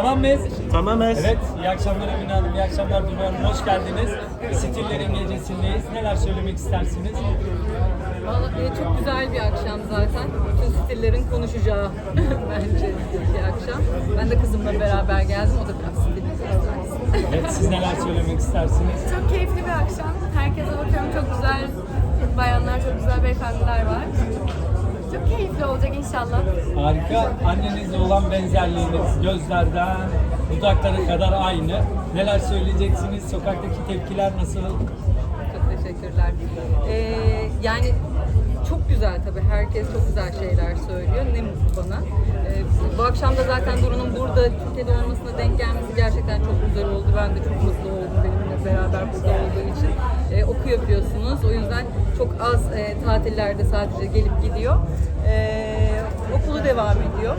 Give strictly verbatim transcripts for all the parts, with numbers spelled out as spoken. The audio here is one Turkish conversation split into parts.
Tamam mıyız? Tamamız. Evet, iyi akşamlar Emine Hanım, iyi akşamlar Duygu Hanım, hoş geldiniz. Stillerin gecesindeyiz. Neler söylemek istersiniz? Vallahi e, çok güzel bir akşam zaten. Bütün stillerin konuşacağı bence bir akşam. Ben de kızımla beraber geldim. O da biraz stilli konuşacak. Evet, siz neler söylemek istersiniz? Çok keyifli bir akşam. Herkese bakıyorum, çok güzel bayanlar, çok güzel beyefendiler var. Çok keyifli olacak inşallah. Harika. Annenizle olan benzerliğiniz gözlerden dudaklara kadar aynı. Neler söyleyeceksiniz? Sokaktaki tepkiler nasıl? Çok teşekkürler. Ee, yani çok güzel tabii. Herkes çok güzel şeyler söylüyor. Ne mutlu bana. Ee, bu akşam da zaten Duru'nun burada Türkiye'de olmasına denk gelmesi gerçekten çok güzel oldu. Ben de çok mutlu oldum benimle beraber burada olduğu için. Ee, okuyor biliyorsunuz. O yüzden çok az e, tatillerde sadece gelip gidiyor. Ee, okulu devam ediyor.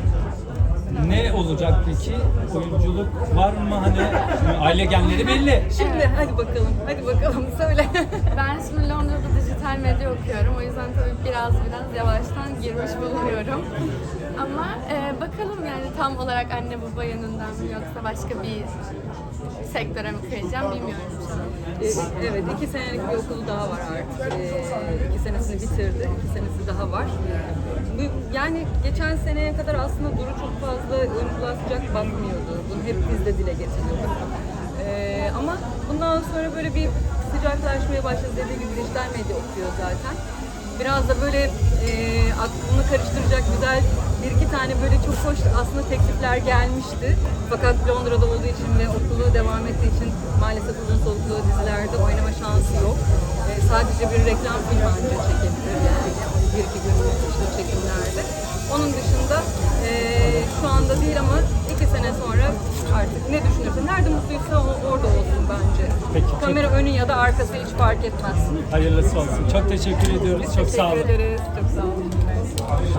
Ne olacak peki? Oyunculuk var mı? Hani aile genleri belli. Şimdi hadi bakalım, hadi bakalım söyle. Ben şimdi Londra'da dijital medya okuyorum. O yüzden tabii biraz biraz yavaştan girmiş bulunuyorum. Ama e, bakalım yani tam olarak anne baba yanından mı yoksa başka bir sektöre mi kayacağım bilmiyorum şu an. Ee, evet, iki senelik bir okulu daha var artık. Ee, iki senesini bitirdi, iki senesi daha var. Bu- Yani geçen seneye kadar aslında Duru çok fazla oyunculuğa sıcak bakmıyordu. Bunu hep biz de dile getiriyorduk. Ee, ama bundan sonra böyle bir sıcaklaşmaya başladı. Dediği gibi dijital medya okuyor zaten. Biraz da böyle e, aklını karıştıracak güzel bir iki tane böyle çok hoş aslında teklifler gelmişti. Fakat Londra'da olduğu için ve okulu devam ettiği için maalesef uzun soluklu dizilerde oynama şansı yok. E, sadece bir reklam filmi ancak çekebilir yani. Bir iki günlük işte çekimlerde. Onun dışında e, şu anda değil ama iki sene sonra artık ne düşünürse, nerede mutluysa o, orada olsun bence. Peki, çok- Kamera önü ya da arkası hiç fark etmez. Hayırlısı olsun. Çok teşekkür ediyoruz. Çok sağ olun. Teşekkür ederiz. Çok sağ olun.